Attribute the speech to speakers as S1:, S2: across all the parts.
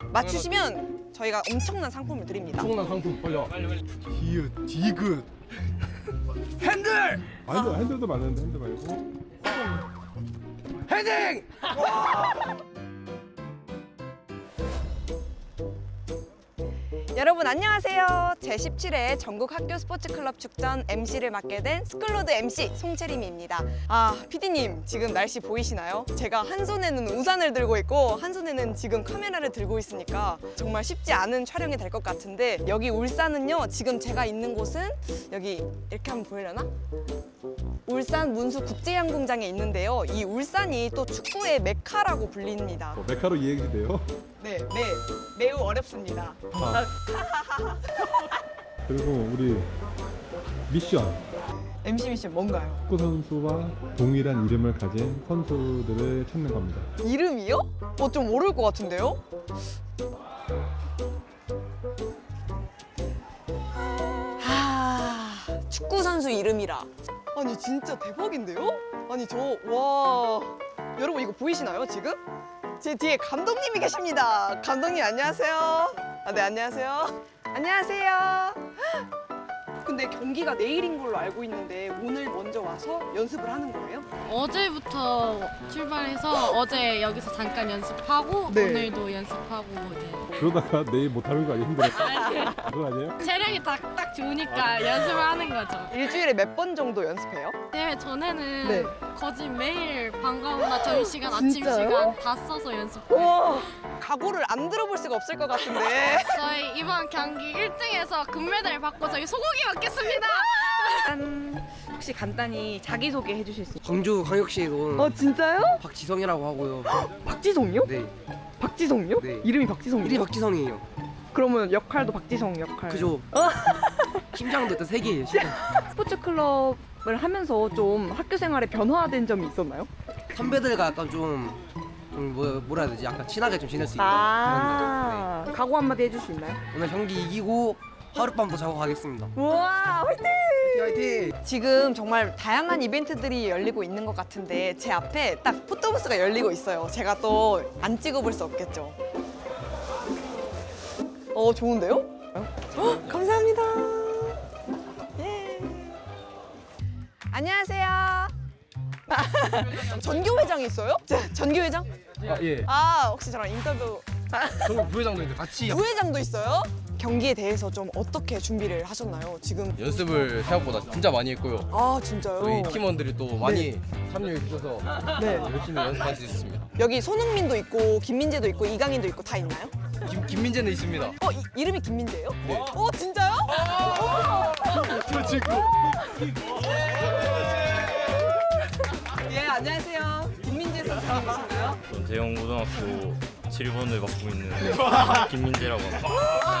S1: 맞추시면 저희가 엄청난 상품을 드립니다.
S2: 엄청난 상품 벌려.
S3: 디귿, 디귿.
S2: 핸들!
S3: 아니, 핸들도 많은데 핸들 말고.
S2: 헤딩!
S1: 여러분 안녕하세요. 제17회 전국 학교 스포츠 클럽 축전 MC를 맡게 된 스쿨로드 MC 송채림입니다. PD님 지금 날씨 보이시나요? 제가 한 손에는 우산을 들고 있고 한 손에는 지금 카메라를 들고 있으니까 정말 쉽지 않은 촬영이 될 것 같은데, 여기 울산은요, 지금 제가 있는 곳은 여기 이렇게 한번 보이려나? 울산 문수 국제양궁장에 있는데요. 이 울산이 또 축구의 메카라고 불립니다.
S3: 메카로 이해가 돼요.
S1: 네, 매우 어렵습니다.
S3: 그리고 우리 미션.
S1: MC 미션 뭔가요?
S3: 축구 선수와 동일한 이름을 가진 선수들을 찾는 겁니다.
S1: 이름이요? 좀 모를 것 같은데요? 축구 선수 이름이라. 아니 진짜 대박인데요? 아니 와, 여러분 이거 보이시나요 지금? 제 뒤에 감독님이 계십니다. 감독님 안녕하세요. 네, 안녕하세요. 안녕하세요. 근데 경기가 내일인 걸로 알고 있는데 오늘 먼저 와서 연습을 하는 거예요?
S4: 어제부터 출발해서 어제 여기서 잠깐 연습하고
S1: 네.
S4: 오늘도 연습하고 이제
S3: 그러다가 내일 못하는 거 아니에요? 힘들었어? 그거 아니에요?
S4: 체력이 딱 좋으니까 연습을 하는 거죠.
S1: 일주일에 몇 번 정도 연습해요?
S4: 대회 전에는
S1: 네.
S4: 거진 매일 방과후나 점심시간,
S1: 진짜요?
S4: 아침시간 다 써서 연습해요.
S1: 와, 각오를 안 들어볼 수가 없을 것 같은데.
S4: 저희 이번 경기 1등에서 금메달 받고 저희 소고기 먹겠습니다.
S1: 혹시 간단히 자기소개 해주실 수 있어요?
S5: 광주광역시에서 온
S1: 진짜요?
S5: 박지성이라고 하고요.
S1: 박지성이요?
S5: 네,
S1: 박지성이요?
S5: 네.
S1: 이름이 박지성이요?
S5: 이름이 박지성이에요.
S1: 그러면 역할도 박지성 역할.
S5: 그죠? 팀장도 일단 3개예요.
S1: 스포츠 클럽을 하면서 좀 학교 생활에 변화된 점이 있었나요?
S5: 선배들과 약간 좀 뭐라 해야 되지? 약간 친하게 좀 지낼 수 있는 그런 거.
S1: 각오 한마디 해줄 수 있나요?
S5: 네. 오늘 경기 이기고 하룻밤 더 자고 가겠습니다.
S1: 우와, 화이팅!
S5: 화이팅!
S1: 지금 정말 다양한 이벤트들이 열리고 있는 것 같은데 제 앞에 딱 포토부스가 열리고 있어요. 제가 또 안 찍어볼 수 없겠죠. 좋은데요? 감사합니다. 예. 안녕하세요. 전교회장이 있어요? 전교회장?
S2: 예.
S1: 혹시 저랑 인터뷰.
S2: 저는 부회장도 있는데 같이
S1: 부회장도 있어요? 경기에 대해서 좀 어떻게 준비를 하셨나요? 지금
S6: 연습을 생각보다 진짜 많이 했고요.
S1: 진짜요?
S6: 저희 팀원들이 또 많이 참여해 주셔서
S1: 네.
S6: 열심히 연습할 수 있습니다.
S1: 여기 손흥민도 있고 김민재도 있고 이강인도 있고 다 있나요?
S6: 김민재는 있습니다.
S1: 이름이 김민재예요?
S6: 네.
S1: 진짜요? 예, 안녕하세요. 김민재 선수님이신가요?
S7: 대형 고등학교 7번을 맡고 있는 김민재라고 합니다.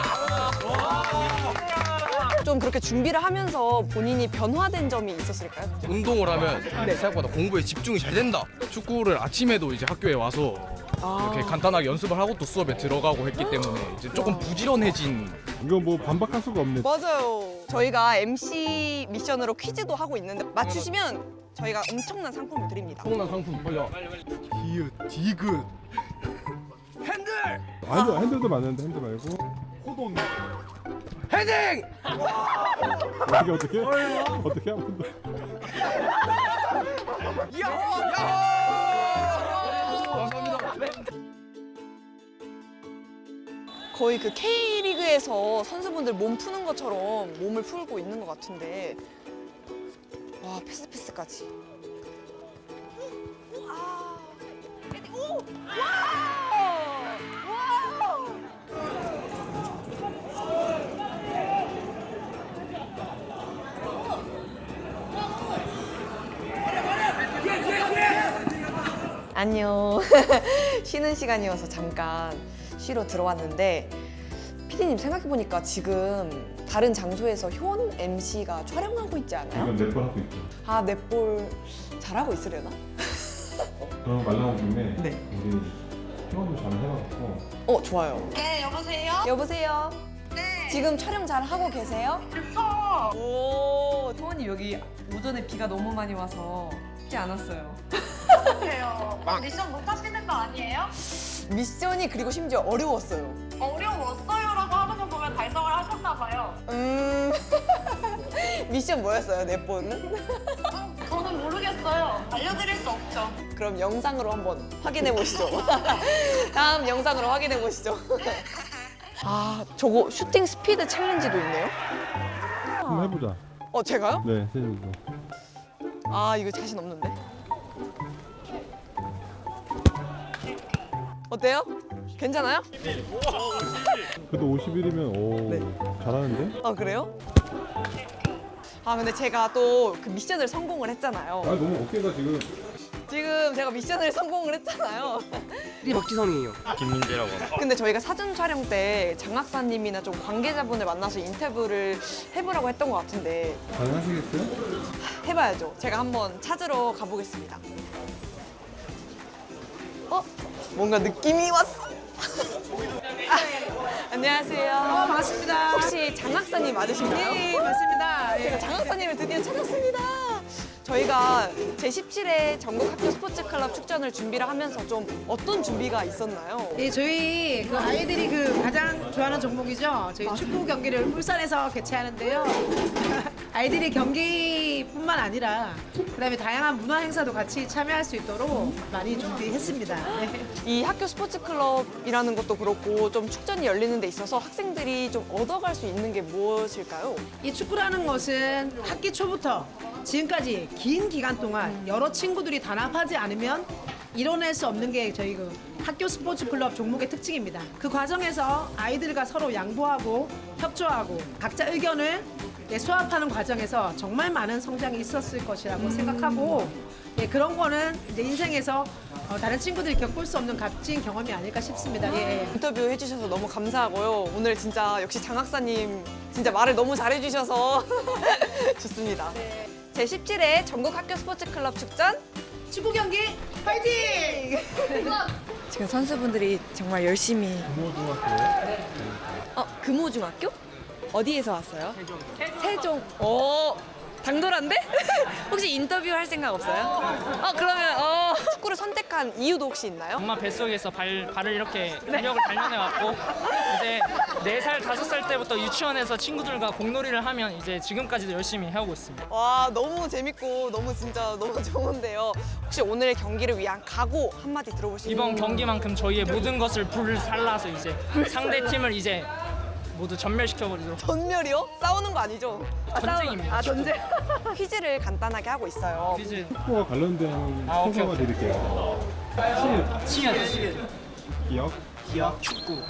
S1: 좀 그렇게 준비를 하면서 본인이 변화된 점이 있었을까요?
S6: 운동을 하면 생각보다 공부에 집중이 잘 된다.
S2: 축구를 아침에도 이제 학교에 와서 이렇게 간단하게 연습을 하고 또 수업에 들어가고 했기 때문에 이제 조금 부지런해진.
S3: 이거 뭐 반박할 수가 없네.
S1: 맞아요. 저희가 MC 미션으로 퀴즈도 하고 있는데 맞추시면 저희가 엄청난 상품을 드립니다.
S2: 엄청난 상품 벌려.
S3: 디귿, 디귿.
S2: 핸들!
S3: 아니, 핸들도 많은데 핸들 말고. 호돈.
S2: 헤딩!
S3: 어떻게 한 번 더.
S1: 거의 그 K리그에서 선수분들 몸 푸는 것처럼 몸을 풀고 있는 것 같은데, 와, 패스까지. 안녕. 쉬는 시간이어서 잠깐 쉬러 들어왔는데, 피디님 생각해보니까 지금 다른 장소에서 효원 MC가 촬영하고 있지 않아요?
S3: 이건 넷번 하고 있죠.
S1: 넷볼 잘하고 있으려나?
S3: 그럼 말 나온 김에
S1: 네.
S3: 우리 회원도 잘 해갖고.
S1: 좋아요.
S8: 네, 여보세요?
S1: 여보세요?
S8: 네.
S1: 지금 촬영 잘 하고 계세요?
S8: 그쵸?
S1: 오, 토원님 여기 오전에 비가 너무 많이 와서 쉽지 않았어요.
S8: 어떡해요. 미션 못 하시는 거 아니에요?
S1: 미션이 그리고 심지어 어려웠어요.
S8: 어려웠어요라고 하는 거 보면 달성을 하셨나봐요.
S1: 미션 뭐였어요, 내보는?
S8: 저는 모르겠어요. 알려드릴 수 없죠.
S1: 그럼 영상으로 한번 확인해 보시죠. 다음 영상으로 확인해 보시죠. 아, 저거 슈팅 스피드 챌린지도 있네요.
S3: 한번 해보자.
S1: 제가요?
S3: 네, 세준이도.
S1: 아, 이거 자신 없는데. 어때요? 괜찮아요?
S3: 그래도 51이면 오
S1: 네.
S3: 잘하는데?
S1: 아, 그래요? 아, 근데 제가 또 그 미션을 성공을 했잖아요.
S3: 아 너무 어깨가 지금
S1: 지금 제가 미션을 성공을 했잖아요.
S5: 이 박지성이에요.
S7: 김민재라고 합니다.
S1: 근데 저희가 사전 촬영 때 장학사님이나 좀 관계자분을 만나서 인터뷰를 해보라고 했던 것 같은데
S3: 가능하시겠어요?
S1: 해봐야죠. 제가 한번 찾으러 가보겠습니다. 뭔가 느낌이 왔어. 안녕하세요.
S9: 반갑습니다.
S1: 혹시 장학사님 맞으신가요?
S9: 네, 맞습니다.
S1: 제가 장학사님을 드디어 찾았습니다. 저희가 제17회 전국 학교 스포츠 클럽 축전을 준비를 하면서 좀 어떤 준비가 있었나요?
S9: 예, 저희 그 아이들이 그 가장 좋아하는 종목이죠. 저희 축구 경기를 울산에서 개최하는데요. 아이들이 경기뿐만 아니라 그다음에 다양한 문화 행사도 같이 참여할 수 있도록 많이 준비했습니다. 네.
S1: 이 학교 스포츠 클럽이라는 것도 그렇고 좀 축전이 열리는 데 있어서 학생들이 좀 얻어갈 수 있는 게 무엇일까요?
S9: 이 축구라는 것은 학기 초부터 지금까지 긴 기간 동안 여러 친구들이 단합하지 않으면 이뤄낼 수 없는 게 저희 그 학교 스포츠 클럽 종목의 특징입니다. 그 과정에서 아이들과 서로 양보하고 협조하고 각자 의견을 수합하는 과정에서 정말 많은 성장이 있었을 것이라고 생각하고 예, 그런 거는 이제 인생에서 다른 친구들이 겪을 수 없는 값진 경험이 아닐까 싶습니다. 예.
S1: 인터뷰 해주셔서 너무 감사하고요. 오늘 진짜 역시 장학사님 진짜 말을 너무 잘해주셔서 좋습니다. 제17회 전국 학교 스포츠 클럽 축전
S9: 축구 경기 파이팅!
S1: 지금 선수분들이 정말 열심히
S3: 금호중학교에
S1: 금호중학교? 어디에서 왔어요? 세종. 당돌한데? 혹시 인터뷰 할 생각 없어요? 그러면 축구를 선택한 이유도 혹시 있나요?
S10: 엄마 뱃속에서 발을 이렇게 근력을 단련해왔고 이제 4살, 5살 때부터 유치원에서 친구들과 공놀이를 하면 이제 지금까지도 열심히 해오고 있습니다.
S1: 와, 너무 재밌고 너무 진짜 너무 좋은데요. 혹시 오늘 경기를 위한 각오 한마디 들어볼 수 있나요?
S10: 이번 경기만큼 저희의 모든 것을 불살라서 이제 상대 팀을 이제 모두 전멸시켜버리도록.
S1: 전멸이요? 싸우는 거 아니죠?
S10: 전쟁입니다.
S1: 전쟁. 퀴즈를 간단하게 하고 있어요.
S10: 퀴즈.
S3: 축구와 관련된
S10: 오케이,
S3: 소개만 드릴게요.
S10: 치읓.
S3: 기억.
S10: 축구.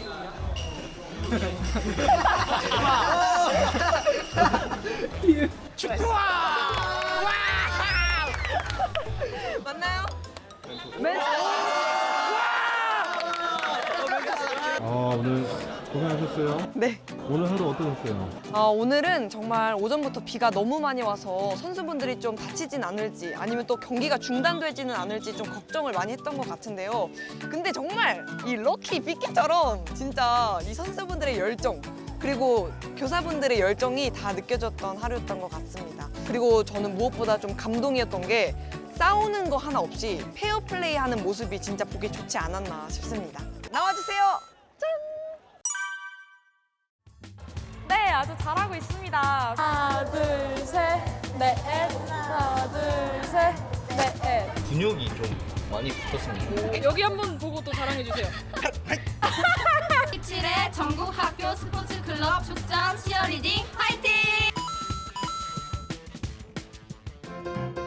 S1: 맞나요?
S3: 오늘 고생하셨어요.
S1: 네.
S3: 오늘 하루 어떠셨어요?
S1: 오늘은 정말 오전부터 비가 너무 많이 와서 선수분들이 좀 다치진 않을지 아니면 또 경기가 중단되지는 않을지 좀 걱정을 많이 했던 것 같은데요. 근데 정말 이 럭키 빅키처럼 진짜 이 선수분들의 열정 그리고 교사분들의 열정이 다 느껴졌던 하루였던 것 같습니다. 그리고 저는 무엇보다 좀 감동이었던 게 싸우는 거 하나 없이 페어플레이 하는 모습이 진짜 보기 좋지 않았나 싶습니다. 나와주세요.
S4: 네, 아주 잘하고 있습니다. 하나, 둘, 셋, 넷. 하나, 둘, 셋, 넷.
S7: 근육이 좀 많이 붙었습니다.
S4: 여기 한번 보고 또 자랑해주세요.
S8: 17회 전국 학교 스포츠 클럽 축전 치어리딩 화이팅!